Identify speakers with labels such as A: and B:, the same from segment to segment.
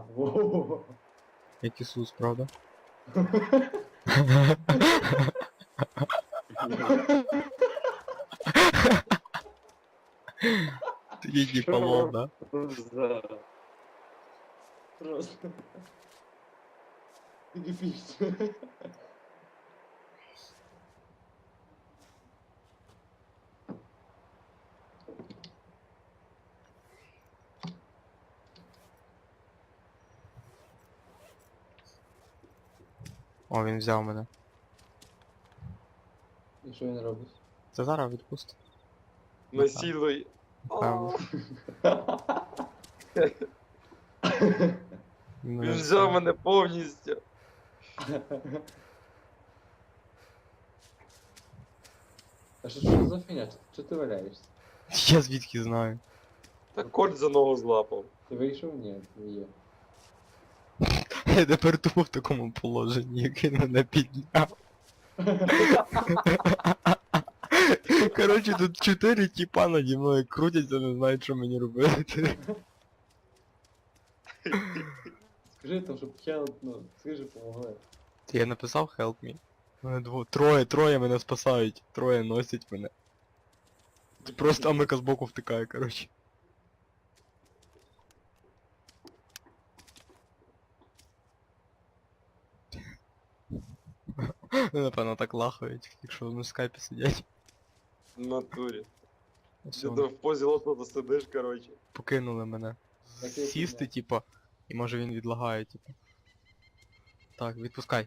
A: во.
B: Як Ісус, правда? Ти їдні полов, да?
A: Просто. Епично.
B: О, він взяв мене.
A: І що він робить?
B: Це зараз відпусти.
C: Насилуй.
B: Напевно.
C: Він взяв мене повністю.
A: А що за фігня? Чого ти валяєшся?
B: Я звідки знаю.
C: Та корт за ногу злапав.
A: Ти вийшов? Ні, не є.
B: Я тепер тупо в такому положенні, як він мене підняв. Коротше, тут 4 тіпа наді мною крутяться, не знають, що мені робити.
A: Скажи там, щоб help, ну, скажи, помогли.
B: Я написав help me. Мене троє мене спасають, троє носять мене. Просто Амика збоку втикає, коротше. Ну, напевно, так лахають, якщо на скайпі сидять.
C: В натурі.
B: Все,
C: Ти в позі лотота сидиш, коротше.
B: покинули мене.
A: Так я
B: Сісти,
A: підняв.
B: типа, і може він відлагає, типа. Так, відпускай.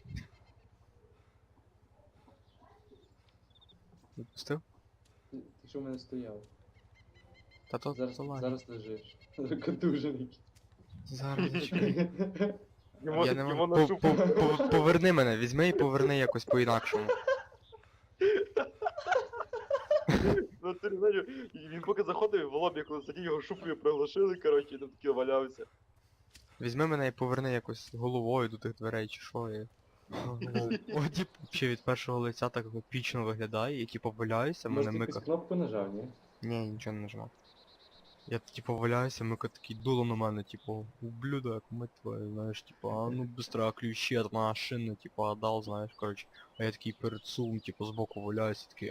B: Відпустив?
A: Ти що в мене стояв?
B: Та то
A: Зараз,
B: залазь.
A: зараз лежиш. Контужений.
B: Зараз зачекай.
C: Йому,
B: Я не
C: йому
B: можу.
C: на шубу.
B: Поверни мене, візьми і поверни якось по-інакшому.
C: Ну, ти знаєш, і він поки заходив в лобі, коли сидів, його шубкою приглашили, коротше, і там такий валявся.
B: Візьми мене і поверни якось головою до тих дверей чи що. О, тип, взагалі від першого лиця так епічно виглядає, і типу валяюся,
A: Може
B: мене
A: ти якусь
B: Мика.
A: кнопку нажав, ні?
B: Ні, нічого не нажимав. Я типу валяюся, Мика такий дуло на мене, типу, ублюдок, мать твою, знаєш, типу, а ну быстро ключи от машини, типу, отдал, знаєш, коротше. А я такий перед сумом, типу, збоку валяюся, такий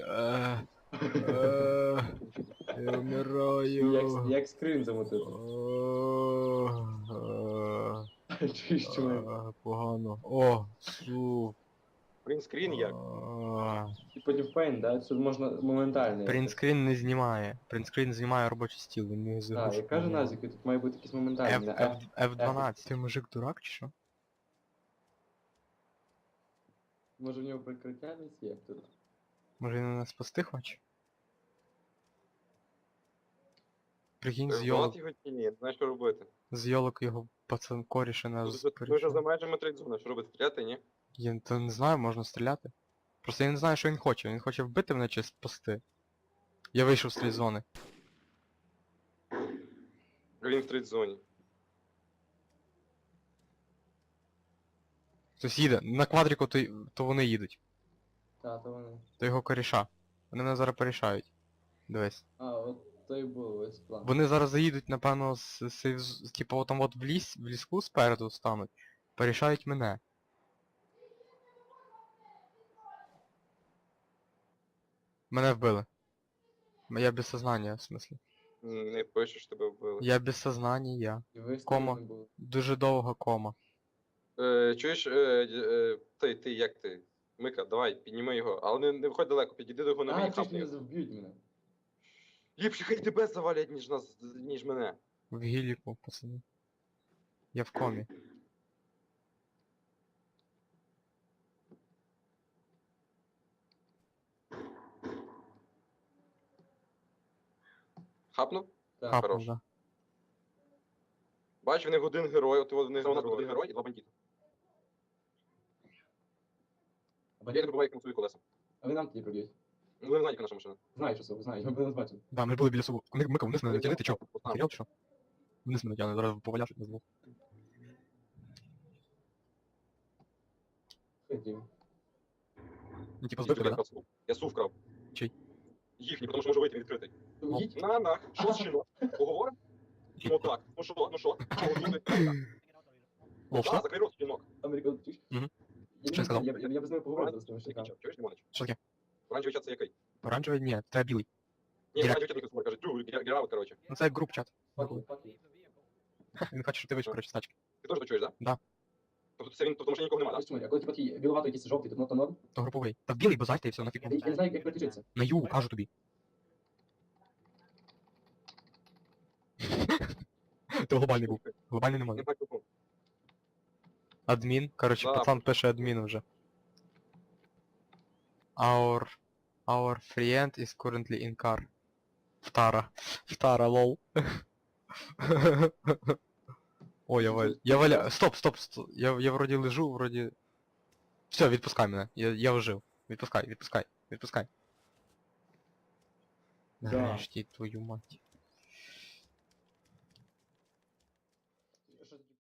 B: я вмираю.
A: Як скрин замотити? Чуєш, чому?
B: Погано. О, су.
C: Принтскрін як?
A: І потім пейн, да? Це можна моментально.
B: Принтскрін не знімає. Принтскрін знімає робочий стіл, він не
A: Так,
B: заглушує.
A: я кажу Назіку, тут має бути якийсь моментальний.
B: F12. Ти мужик дурак чи що?
A: Може в нього прикриття десь є тут?
B: Може він нас спасти хоче? Прикинь,
C: Вгнати його чи ні? Знаєш, що робити?
B: з йолок його пацан коріше нас
C: Ми вже за
B: перейшов.
C: межами трейдзона, що робити? Стріляти, ні?
B: Я то не знаю, можна стріляти. Просто я не знаю, що він хоче. Він хоче вбити мене чи спасти. Я вийшов з трейдзони.
C: Він в трейдзоні.
B: Хтось їде. На квадріку то вони їдуть.
A: Та, то вони.
B: То його коріша. Вони мене зараз порішають. Дивись.
A: А, от то і було весь план.
B: Вони зараз заїдуть, напевно, типу там от в ліску спереду стануть. Порішають мене. Мене вбили. Я без сознання, в смислі.
C: Не пишеш, тебе вбили.
B: Я без сознання.
A: І ви
B: кома.
A: не було.
B: Дуже довга кома.
C: Чуєш, ти, як ти? Мика, давай, підніми його. Але не виходь далеко, підійди до його на
A: А,
C: мені,
A: ти ж
C: хапни
A: не
C: його.
A: вб'ють мене.
C: Ліпше хай тебе завалять, ніж мене.
B: В гіліку, пацани. Я в комі.
C: Хапнув?
A: Так.
B: Хапнув,
C: хорош.
B: да.
C: Бач, в них один герой, от в них один герой і два бандити. Я не пробуваю, як на свої колеса.
A: А ви нам тоді проб'ють.
C: Ну, ви не знаєте, яка наша машина.
A: Знаю, що це, знаю, я би нас бачив.
B: Да, ми ж були біля субу. Мика вниз мене тягни, ти чо?
C: От там.
B: Херел чи що? Вниз мене тягне, зараз поваляш на звук.
A: Ходім.
B: Ну типа збив тебе, да?
C: Я сув вкрав.
B: Чий?
C: Їхній, тому що може вийти відкритий.
A: Їдь.
C: На, що з чином? Поговоримо? Ну так, ну що?
B: Лол,
C: Да,
B: що?
C: закрий рот, щенок.
A: Американ, чуєш?
B: Мгм.
A: Я
B: Що
A: не
B: я сказав?
A: знаю, я б з ними поговорив з тими
C: Який
A: щенками.
C: чат? Чуєш, Лимонич?
B: Що таке?
C: Оранжевий чат це який?
B: Оранжевий? Ні, це білий.
C: Ні,
B: Директ.
C: оранжевий чат мікрофон, каже, герау, короче.
B: Ну це як груп чат.
A: Факи, факи.
B: Він хоче, щоб ти вийшов, коротше, з тачки.
C: Ти теж то чуєш, да?
B: Да.
C: Тобто це він, тобто в машині нікого немає,
A: Знаєш чому? А коли ти такий біловато якийсь жовтий, то норм?
B: То груповий. Та в білий базальте і все, нафіг.
A: Я не знаю, як переключитися.
B: На ю, кажу тобі. Ти глобальний був. Глобальний не
C: Не
B: може.
C: бачу кого.
B: Адмін. Коротше,
C: Да.
B: пацан пише адмін вже. Our friend is currently in car. Втара, лол. Ой, я валя... Стоп. Я вроді лежу, вроді... Все, відпускай мене. Я ожив. Відпускай.
A: Да.
B: Нарешті, твою мать.